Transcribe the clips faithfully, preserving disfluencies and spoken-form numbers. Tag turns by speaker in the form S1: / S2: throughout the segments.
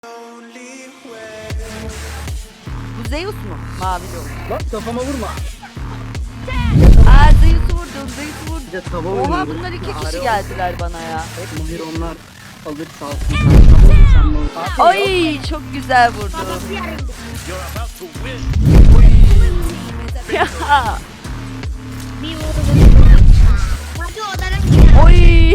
S1: Bu Zeus mu? Mavili olur.
S2: Bak kafama vurma.
S1: Aa Zeus'u vurdum, Zeus'u vurdum.
S2: Bir de tava
S1: Oha
S2: oynuyoruz.
S1: bunlar iki
S2: Ağrı
S1: kişi
S2: var.
S1: geldiler bana ya.
S2: Mahir onlar alır sağ olsun. Sen tava olur, sen de olur. Abi, yok.
S1: Ay çok güzel vurdum.
S3: You're about to win.
S1: Ya.
S4: Bir vurdu. Hadi odadan gidelim.
S1: Oy.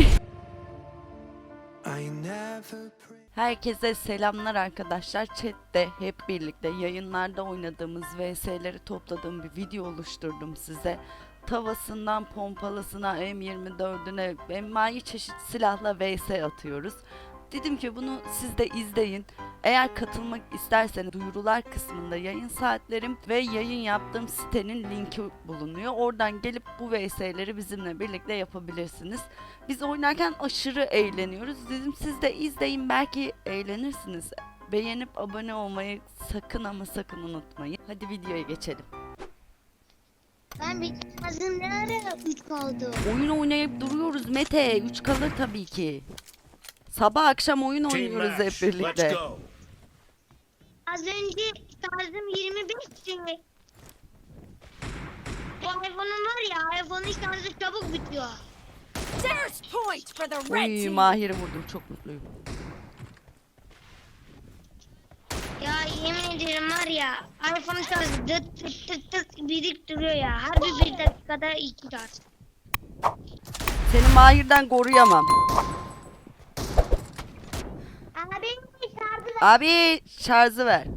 S1: Herkese selamlar arkadaşlar. Chat'te hep birlikte yayınlarda oynadığımız V S'leri topladığım bir video oluşturdum size. Tavasından pompalısına M yirmi dördüne envai çeşit silahla V S atıyoruz. Dedim ki bunu siz de izleyin. Eğer katılmak isterseniz duyurular kısmında yayın saatlerim ve yayın yaptığım sitenin linki bulunuyor. Oradan gelip bu V S'leri bizimle birlikte yapabilirsiniz. Biz oynarken aşırı eğleniyoruz. Dedim siz de izleyin, belki eğlenirsiniz. Beğenip abone olmayı sakın ama sakın unutmayın. Hadi videoya geçelim.
S4: Ben bir kazım ne ara üç kaldı.
S1: Oyun oynayıp duruyoruz Mete. üç kalır tabii ki. Sabah akşam oyun
S3: Team
S1: oynuyoruz hep
S3: match. Let's
S1: birlikte.
S3: go.
S4: Az önce şarjım yirmi beşti. Bu iPhone'um var ya, iPhone'un şarjı çabuk bitiyor.
S5: There's point for the red
S1: Uy
S5: team.
S1: Mahir'i vurdum, çok mutluyum.
S4: Ya yemin ederim var ya, iPhone'un şarjı dıt dıt dıt dıt birik duruyor ya. Her bir bir dakikada iki şarj.
S1: Seni Mahir'den koruyamam.
S4: Abi şarjı ver.
S1: Abi şarjı ver.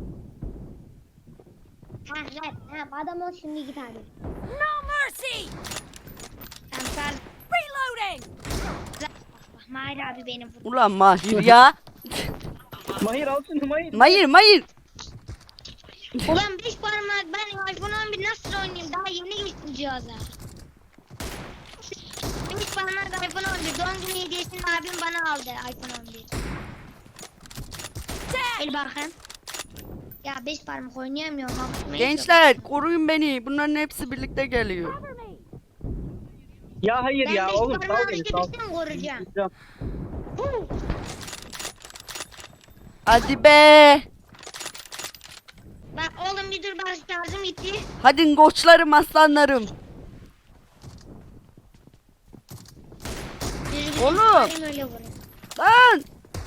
S4: Ha ver. Ha adam ol şimdi git abi.
S5: No mercy.
S4: Tamam şarj.
S5: Reloading.
S4: Bak bak Mahir abi beni vurdu.
S1: Ulan Mahir ya.
S2: Mahir al şunu Mahir.
S1: Mahir Mahir.
S4: Ulan beş parmak ben iPhone on bir nasıl oynayayım? Daha yeni geçtim cihaza. beş parmak iPhone on bir. Doğum günü hediyesini abim bana aldı iPhone on bir. El bakın. Ya beş parmak oynayamıyorum. Hakkımı
S1: Gençler koruyun beni. Bunların hepsi birlikte geliyor.
S2: Ya hayır
S4: Ben
S2: ya
S4: beş
S2: oğlum sal
S4: parmağı
S2: beni sal.
S4: düşürürsem koruyacağım.
S2: Gideceğim.
S4: Huu.
S1: Hadi be.
S4: Bak oğlum bir dur bak şarjım gitti.
S1: Hadi koçlarım, aslanlarım.
S4: Düzgün
S1: Oğlum.
S4: çıkarayım, öyle vurayım.
S1: Lan.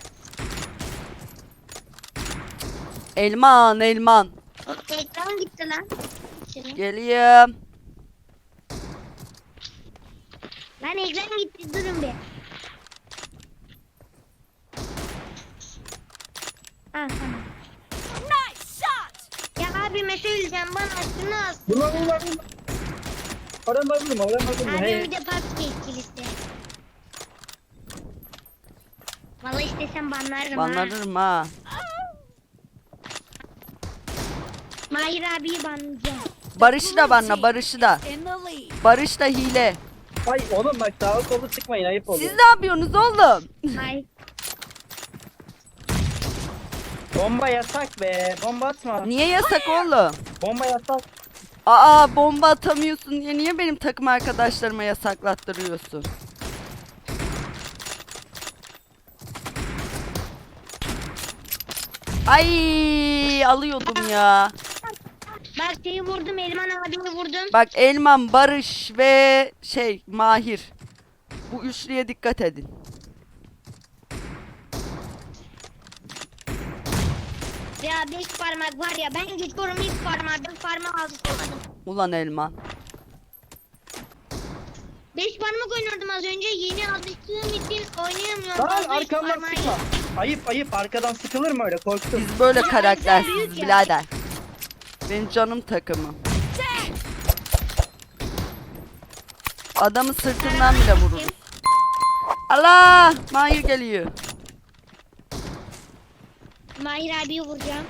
S1: Elman elman.
S4: Ekran gitti lan. Şöyle.
S1: Geliyorum.
S4: Lan ekran gitti durun bir. Ha tamam.
S5: Nice shot.
S4: Ya abi söyleyeceğim bana şunu as.
S2: Vurma vurma vurma. Oradan vurma oradan vurma.
S4: Abi
S2: Hey.
S4: bir de PUBG etkilisi. Vallahi istesem banlarım ha.
S1: Banlarım ha.
S4: Mahir abiyi banlayacağım.
S1: Barış'ı da banla, Barış'ı da.
S5: In the lead.
S1: Barış da hile.
S2: Ay oğlum bak sağa sola çıkmayın ayıp oluyor.
S1: Siz ne yapıyorsunuz oğlum?
S4: Hayır.
S2: Bomba yasak be. Bomba atma.
S1: Niye yasak oğlum?
S2: Bomba yasak.
S1: Aa bomba atamıyorsun diye niye benim takım arkadaşlarıma yasaklattırıyorsun? Ay alıyordum ya.
S4: Bak şeyi vurdum, Elman abiyi vurdum.
S1: Bak Elman, Barış ve şey Mahir. Bu üçlüye dikkat edin.
S4: Ya beş parmak var ya, ben geçiyorum ilk parmağı, beş parmağı alıştırmadım.
S1: Ulan Elman.
S4: Beş parmak oynuyordum az önce, yeni alıştığım için oynayamıyorum.
S2: Lan
S4: Az beş
S2: arkamdan
S4: parmağı-
S2: sıkma. Ayıp ayıp arkadan sıkılır mı öyle korktum.
S1: Biz böyle
S4: Ya,
S1: karaktersiz
S4: büyük ya.
S1: birader. Benim canım takımım. Adamı sırtından bile vururuz. Allah! Mahir geliyor.
S4: Mahir abiyi vuracağım.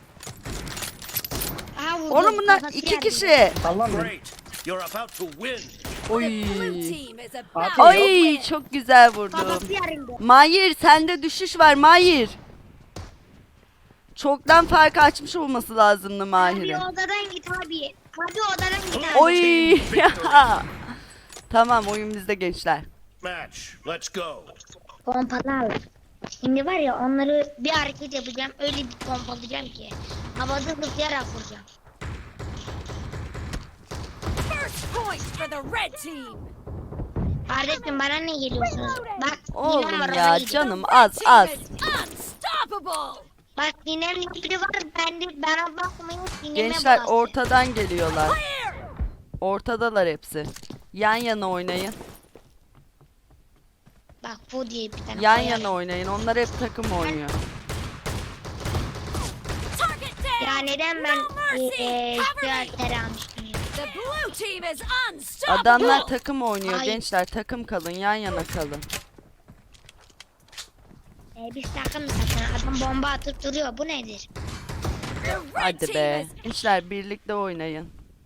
S4: Aha vurdum.
S1: Oğlum bunlar
S4: kafası
S1: iki
S4: yardı.
S1: kişi.
S2: Sallan beni.
S3: Great. You're about to win.
S1: Oy.
S5: Blue team is about
S2: Abi,
S1: Oy çok güzel vurdum.
S4: Kafası yarıldı.
S1: Mahir sende düşüş var Mahir. Çoktan farkı açmış olması lazımdı
S4: Abi
S1: Mahir'in.
S4: odadan git abi. Abi odadan git abi.
S1: Oy. Tamam oyun bizde gençler.
S3: Match. Let's go.
S4: Pompalı al. Şimdi var ya onları bir hareket yapacağım. Öyle bir pompalayacağım ki. Havada zıplayarak vuracağım.
S5: First point for the red team.
S4: Kardeşim bana ne geliyorsunuz? Bak
S1: Oğlum
S4: Dinem var ona
S1: ya
S4: gidiyor.
S1: canım az
S5: Team
S1: az.
S5: is unstoppable.
S4: Bak Dinem biri var bende bana bakmayın Dinem'e
S1: Gençler
S4: bastı.
S1: ortadan geliyorlar.
S5: Clear.
S1: Ortadalar hepsi. Yan yana oynayın.
S4: Bak bu diye bir tane
S1: Yan
S4: koyarım.
S1: yana oynayın. Onlar hep takım oynuyor.
S5: Target down.
S4: Ya neden ben
S5: No mercy.
S4: eee
S5: Cover me.
S4: şartları almıştım ya.
S5: The blue team is unstoppable.
S1: Adamlar takım oynuyor
S4: Ay.
S1: gençler. Takım kalın. Yan yana kalın.
S4: Ee, biz takım zaten adam bomba atıp duruyor bu nedir?
S5: The red
S1: Hadi
S5: team
S1: be.
S5: is
S1: Gençler birlikte oynayın.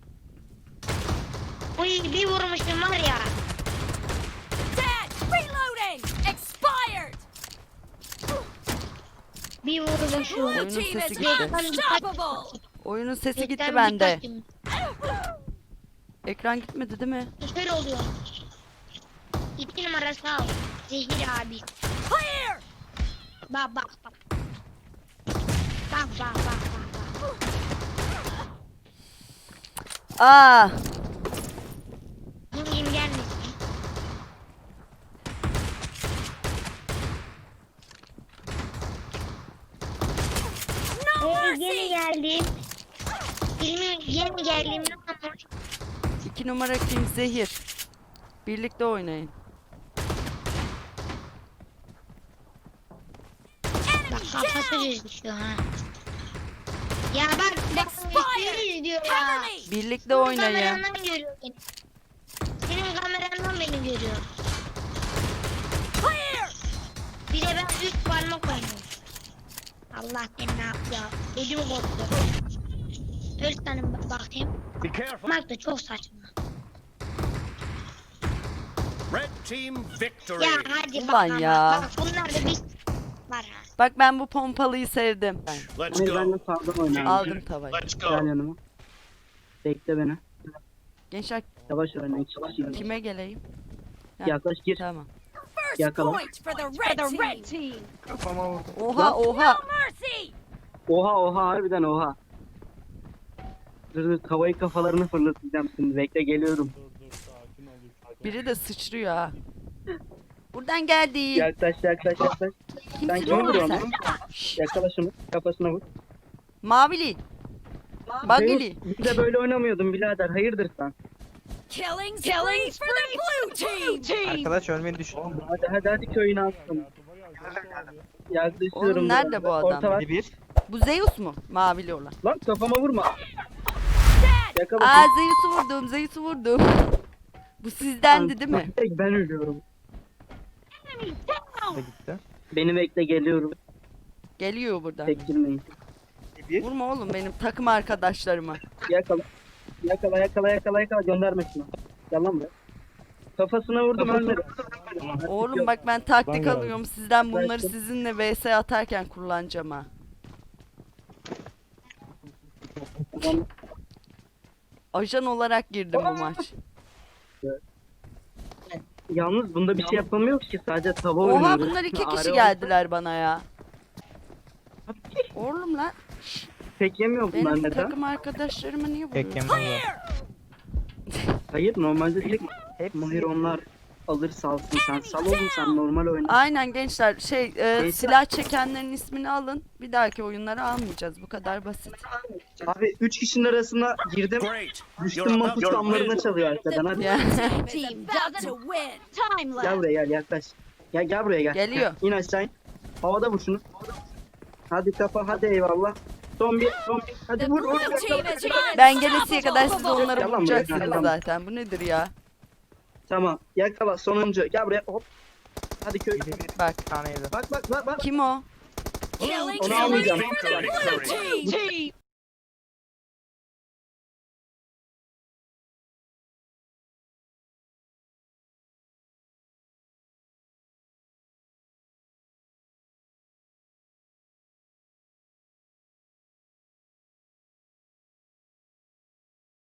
S4: Uy bir vurmuşum var ya.
S5: dead. Reloading. Expired.
S4: Bir vurmuşum.
S5: Blue
S1: Oyunun
S5: team
S1: sesi
S5: is
S1: gitti.
S5: unstoppable.
S1: Oyunun sesi gitti
S4: Gökten
S1: bende.
S4: birkaç gün-
S1: Ekran gitmedi değil mi?
S4: Şöyle oluyor. İki numara sağ ol. Zehir abi.
S5: Clear.
S4: Bak bak bak. Bak bak bak bak.
S1: Aa,
S4: Vurayım gelmesin.
S5: No
S4: Ee, yeni
S5: mercy.
S4: geldim. Filmi yeni geldim. Ne olmuş?
S1: iki numara kim? Zehir. Birlikte oynayın.
S4: Bak kafası gözüküyor ha. Ya bak bak
S5: Expired.
S4: seni izliyor ya.
S5: Cover me.
S1: Birlikte
S4: Senin
S1: oynayın.
S4: kamerandan görüyor beni. Senin kamerandan beni görüyor.
S5: Clear.
S4: Bir de ben üç parmak oynuyorum. Allah beni ne yapıyor? Ödüm koptu. Dört tane bak- bakayım.
S3: Be careful.
S4: Bak da çok saçma.
S3: Red team victory.
S4: Ya hadi
S1: Ulan
S4: bak ama.
S1: ya.
S4: Bak bunlar da bir var ha.
S1: Bak ben bu pompalıyı sevdim.
S3: Let's
S2: Hani ben de
S3: go.
S2: sağdan oynayayım.
S1: Aldım tavayı.
S3: Let's
S2: Gel
S3: go.
S2: yanıma. Bekle beni.
S1: Gençler
S2: Yavaş oyna. iki kişi.
S1: kime geleyim?
S2: Yaklaş gir.
S1: Tamam.
S5: First
S2: Yakala.
S5: point for the red team.
S1: Oha oha.
S5: No mercy.
S2: Oha oha harbiden oha. Dur dur tavayı kafalarını fırlatacağım şimdi. Bekle geliyorum.
S1: Biri de sıçrıyor ha. Buradan geldi.
S2: Yaklaş yaklaş yaklaş. Sen
S1: Kimsin
S2: kimi
S1: oğlum
S2: vuruyorsun
S1: sen?
S2: lan? Yakala şunu. Kafasına vur.
S1: Mavili. Bagili.
S2: Zeus, biz de böyle oynamıyordun birader. Hayırdır sen?
S5: Killing spree for the blue team.
S6: Arkadaş ölmeyi düşün.
S2: Hadi hadi hadi köyünü alsın. Yaklaşıyorum.
S1: Oğlum nerede
S2: biraz.
S1: bu adam?
S2: Orta var.
S6: Hadi bir.
S1: Bu Zeus mu? Mavili olan.
S2: Lan kafama vurma.
S5: Dead.
S2: Yakala.
S1: Aa Zeus'u vurdum. Zeus'u vurdum. Bu sizdendi değil mi?
S2: Tek ben ölüyorum.
S6: Da gitti.
S2: Beni bekle geliyorum.
S1: Geliyor buradan.
S2: Tek girmeyin. Bir.
S1: Vurma oğlum benim takım arkadaşlarıma.
S2: Yakala. Yakala yakala yakala yakala gönderme şunu. Yalan be. Kafasına vurdum ölmedi.
S1: Oğlum bak ben taktik alıyorum sizden bunları
S2: Bıraktım.
S1: sizinle V S atarken kullanacağım ha.
S2: Tamam.
S1: Ajan olarak girdim bu maç.
S2: Yalnız bunda bir şey yapamıyoruz ki sadece tava
S1: Oha
S2: oynuyoruz.
S1: bunlar iki
S2: Are
S1: kişi
S2: oldu.
S1: geldiler bana ya. Oğlum lan
S2: Tek yemiyor bunlar
S1: benim
S2: neden?
S1: takım arkadaşlarıma niye
S6: Tek
S1: vuruyorsun?
S6: yemem var.
S2: Hayır normalde tek
S6: Hepsi.
S2: Mahir onlar alır salsın sen. Sal oğlum sen normal oyna.
S1: Aynen gençler şey e,
S2: Gençler-
S1: silah çekenlerin ismini alın. Bir dahaki oyunları almayacağız. Bu kadar basit.
S2: Abi üç kişinin arasına girdim.
S3: Great.
S2: Düştüm
S3: You're
S2: mapus
S3: about to
S2: damlarına
S3: win.
S2: çalıyor arkadan hadi.
S1: Ya.
S5: Team is about to win. Time
S2: Gel
S5: left.
S2: buraya gel yaklaş. Gel gel buraya gel.
S1: Geliyor.
S2: İn aşağı in. Havada vur şunu. Hadi kafa hadi eyvallah. Son bir son bir. Hadi
S5: The
S2: vur vur.
S5: blue team
S2: yakala.
S5: is
S1: Ben gelesiye kadar siz
S5: unstoppable.
S1: onları
S2: Yalan be,
S1: vuracaksınız
S2: yalan.
S1: zaten. Bu nedir ya?
S2: Tamam yakala sonuncu. Gel buraya hop. Hadi köy.
S6: Bir, bir
S1: Bak.
S6: tane yedi.
S2: Bak bak bak bak.
S5: Oh,
S1: Kim o?
S5: Killing
S2: Onu
S5: spree
S2: almayacağım.
S5: for the blue team.